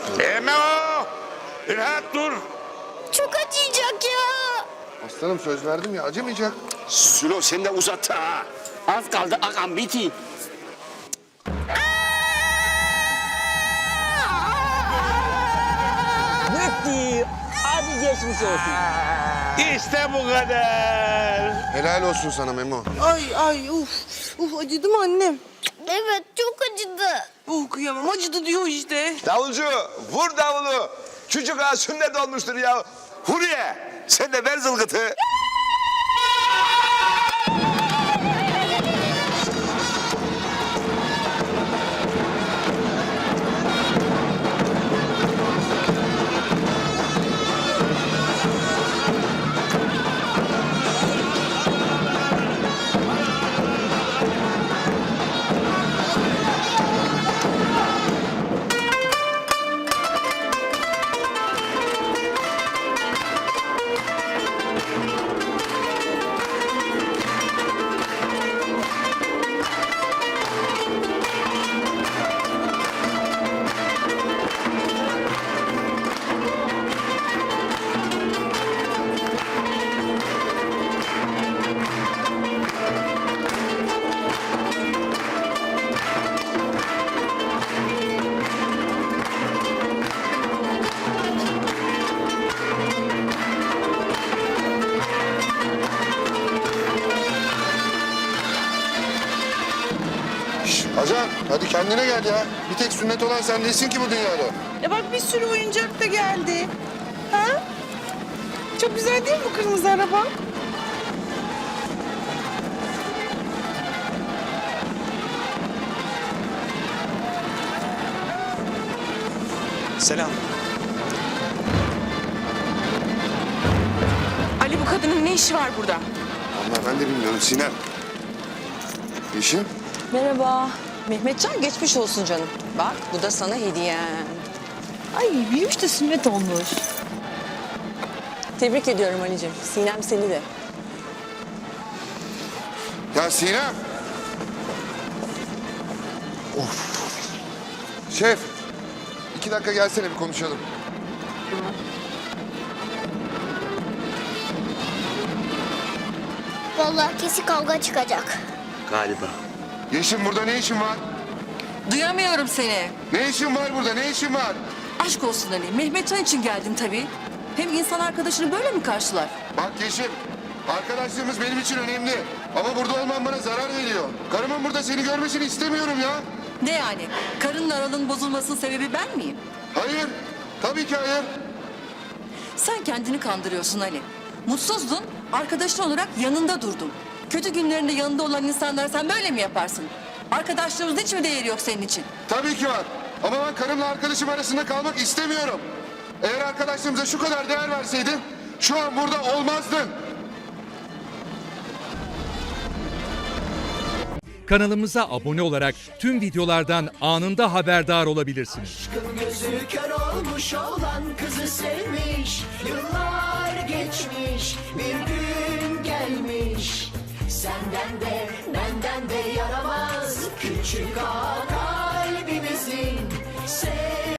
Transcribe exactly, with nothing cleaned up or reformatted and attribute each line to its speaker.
Speaker 1: Eme o! Rahat dur.
Speaker 2: Çok acıyacak ya.
Speaker 3: Aslanım söz verdim ya acımayacak.
Speaker 1: Sülo sen de uzattı ha. Az kaldı ağam biti.
Speaker 4: Bitti. Hadi geçmiş olsun.
Speaker 1: İşte bu kadar.
Speaker 3: Helal olsun sana Memo.
Speaker 5: Ay ay uf. Uf acıdı mı annem?
Speaker 2: Evet çok acıdı.
Speaker 5: Oh kıyamam acıdı diyor işte.
Speaker 6: Davulcu vur davulu. Çocuk ağa sünnet olmuştur ya.
Speaker 1: Huriye sen de ver zılgıtı.
Speaker 3: Şş, ajan hadi kendine gel ya. Bir tek sünnet olan sen değilsin ki bu dünyada.
Speaker 5: Ya bak bir sürü oyuncak da geldi. Ha? Çok güzel değil mi bu kırmızı araba?
Speaker 7: Selam.
Speaker 5: Ali bu kadının ne işi var burada?
Speaker 3: Vallahi ben de bilmiyorum Sinem. Yeşim.
Speaker 8: Merhaba. Mehmetcan geçmiş olsun canım. Bak bu da sana hediyem.
Speaker 9: Ay büyümüş de sünnet olmuş.
Speaker 8: Tebrik ediyorum Ali'cim. Sinem seni de.
Speaker 3: Ya Sinem. Of. Şef. iki dakika gelsene bir konuşalım.
Speaker 2: Vallahi kesin kavga çıkacak.
Speaker 1: Galiba.
Speaker 3: Yeşim burada ne işin var?
Speaker 10: Duyamıyorum seni.
Speaker 3: Ne işin var burada ne işin var?
Speaker 10: Aşk olsun Ali. Mehmetcan için geldin tabii. Hem insan arkadaşını böyle mi karşılar?
Speaker 3: Bak Yeşim. Arkadaşlığımız benim için önemli. Ama burada olman bana zarar veriyor. Karımın burada seni görmesini istemiyorum ya.
Speaker 10: Ne yani? Karınla aralığın bozulmasının sebebi ben miyim?
Speaker 3: Hayır. Tabii ki hayır.
Speaker 10: Sen kendini kandırıyorsun Ali. Mutsuzdun, arkadaşın olarak yanında durdum. Kötü günlerinde yanında olan insanlar sen böyle mi yaparsın? Arkadaşlığımızın hiç mi değeri yok senin için?
Speaker 3: Tabii ki var. Ama ben karımla arkadaşım arasında kalmak istemiyorum. Eğer arkadaşlığımıza şu kadar değer verseydin şu an burada olmazdın.
Speaker 11: Kanalımıza abone olarak tüm videolardan anında haberdar olabilirsiniz.
Speaker 12: Gözü kör olmuş olan kızı sevmiş. Yıllar geçmiş bir gün gelmiş. Senden de benden de yaramaz küçük ağa kalbimizin.